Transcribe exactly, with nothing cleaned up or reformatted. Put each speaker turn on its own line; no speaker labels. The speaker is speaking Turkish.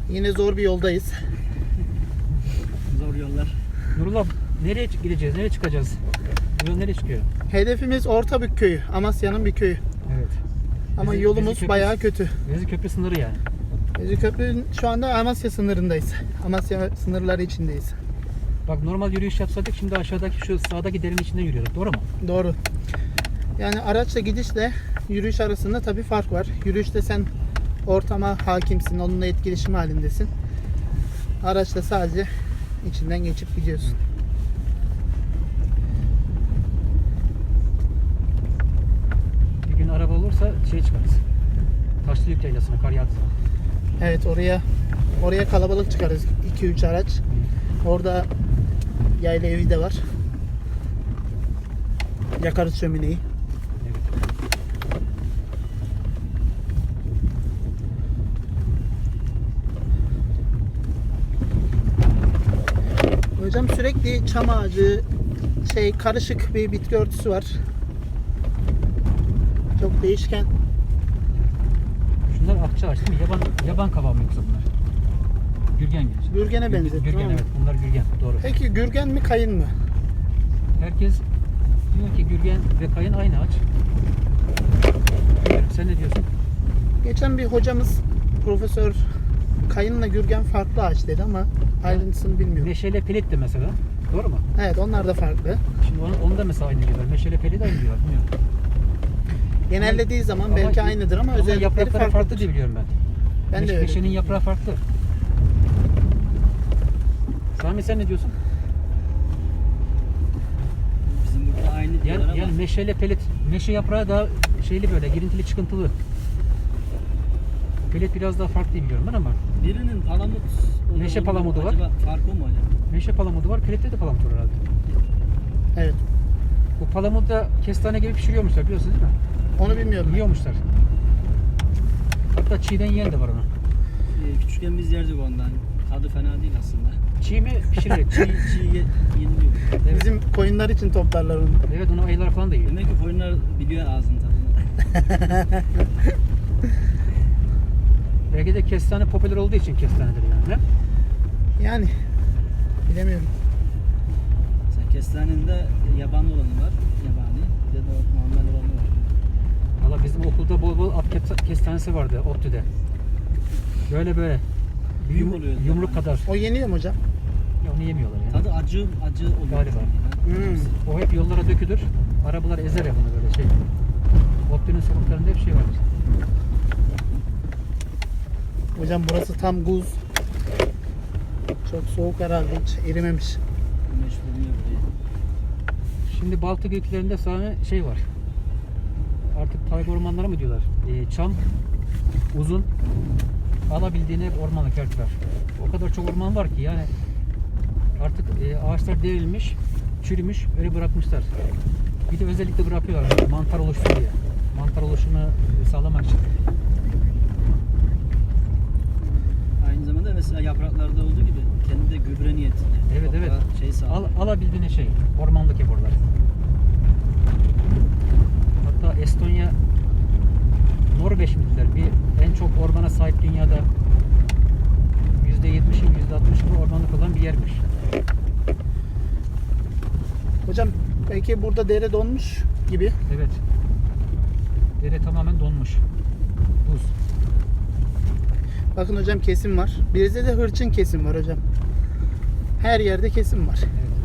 Yine zor bir yoldayız.
Zor yollar.
Nurullah, nereye gideceğiz? Nereye çıkacağız? Bu yol nereye çıkıyor?
Hedefimiz Ortabük köyü. Amasya'nın bir köyü.
Evet.
Ama
Bezi-
yolumuz
Bezi Köprü-
bayağı kötü.
Bezi Köprü sınırı yani.
Beziköprü'nün şu anda Amasya sınırındayız. Amasya sınırları içindeyiz.
Bak normal yürüyüş yapsaydık şimdi aşağıdaki şu sağdaki derenin içinden yürüyorduk. Doğru mu?
Doğru. Yani araçla gidişle yürüyüş arasında tabii fark var. Yürüyüşte sen ortama hakimsin, onunla etkileşim halindesin. Araçla sadece içinden geçip gidiyorsun.
Bir gün araba olursa şey çıkarız. Taşlık yaylasına kar yağdığı zaman.
Evet, oraya oraya kalabalık çıkarız. iki üç araç. Orada yayla evi de var. Yakarız şömineyi.
Evet.
Hocam sürekli çam ağacı, şey karışık bir bitki örtüsü var. Çok değişken.
Şunlar akça ağaç değil mi? Yaban, yaban kavağı mı yoksa bunlar? Gürgen gibi.
Gürgene
Gürgen-
benzettim
Gürgen
ama.
evet. Bunlar gürgen. Doğru.
Peki gürgen mi kayın mı?
Herkes diyor ki gürgen ve kayın aynı ağaç. Bilmiyorum, sen ne diyorsun?
Geçen bir hocamız profesör kayınla gürgen farklı ağaç dedi ama ayrıntısını bilmiyorum.
Meşele pelit de mesela. Doğru mu?
Evet, onlar da farklı.
Şimdi onu, onu da mesela aynı diyorlar. Meşele pelit de aynı diyorlar. Bilmiyorum.
Genellediği zaman
Ama-
belki aynıdır ama,
Ama
özellikleri
yaprakları
farklı.
farklı diye biliyorum ben.
Ben de
Meş-
öyle.
Meşenin yaprağı farklı. Sami sen ne diyorsun?
Bizim burada aynı diyorlar
Yani,
ama
yani meşele pelit, meşe yaprağı daha şeyli böyle girintili çıkıntılı. Pelit biraz daha farklı diye biliyorum ben ama
birinin palamut olur,
Meşe
olur.
palamudu var.
Acaba farkı mı hocam?
meşe palamudu var, pelitte de palamut var herhalde.
Evet.
Bu palamudu da kestane gibi pişiriyormuşlar biliyorsunuz değil mi?
Onu bilmiyorum.
Yiyormuşlar. Hatta çiğden yiyen de var onu.
Ee, küçükken biz yerdik ondan. Tadı fena değil aslında.
Çiğ mi pişirerek?
Çiğ, çiğ ye, yeniliyor.
Evet.
Bizim koyunlar için toplarlar onu.
Evet onu ayılar falan da yiyor.
Demek ki koyunlar biliyor ağzının tadını.
Belki de kestane popüler olduğu için kestanedir yani. Ne?
Yani bilemiyorum.
Mesela kestanenin de yabani olanı var. Yabani. Bir de normal olanı var.
Valla bizim okulda bol bol at kes- kestanesi vardı ODTÜ'de. Böyle böyle.
Büyük
Yum-
oluyor.
Yumruk
Yani.
kadar.
O yeniyor mu hocam?
Ya onu yemiyorlar yani.
Tadı acı acı oluyor.
Galiba.
Hmm.
O hep yollara dökülür. Arabalar ezer ya bunu böyle şey. ODTÜ'nün sokaklarında hep şey vardır.
Hocam burası tam buz. Çok soğuk herhalde, hiç erimemiş.
Güneş vurmuyor buraya.
Şimdi Baltık ülkelerinde sana şey var. Artık tayga ormanları mı diyorlar? Ee, çam, uzun, alabildiğine hep ormanlık yerler. O kadar çok orman var ki yani artık e, ağaçlar devrilmiş, çürümüş, öyle bırakmışlar. Bir de özellikle bırakıyorlar mantar oluşsun diye. Mantar oluşumu sağlamak için.
Aynı zamanda mesela yapraklarda olduğu gibi kendi de gübre niyetine.
Evet,
toprağa
evet.
Şey sağlıyor.
Al, alabildiğine şey, ormanlık hep oralar. Hatta Estonya, Norveç mi dediler? Bir en çok ormana sahip dünyada yüzde yetmişin yüzde altmışı ormanlık olan bir yermiş.
Hocam belki burada dere donmuş gibi.
Evet. Dere tamamen donmuş. Buz.
Bakın hocam, kesim var. Bizde de hırçın kesim var hocam. Her yerde kesim var.
Evet.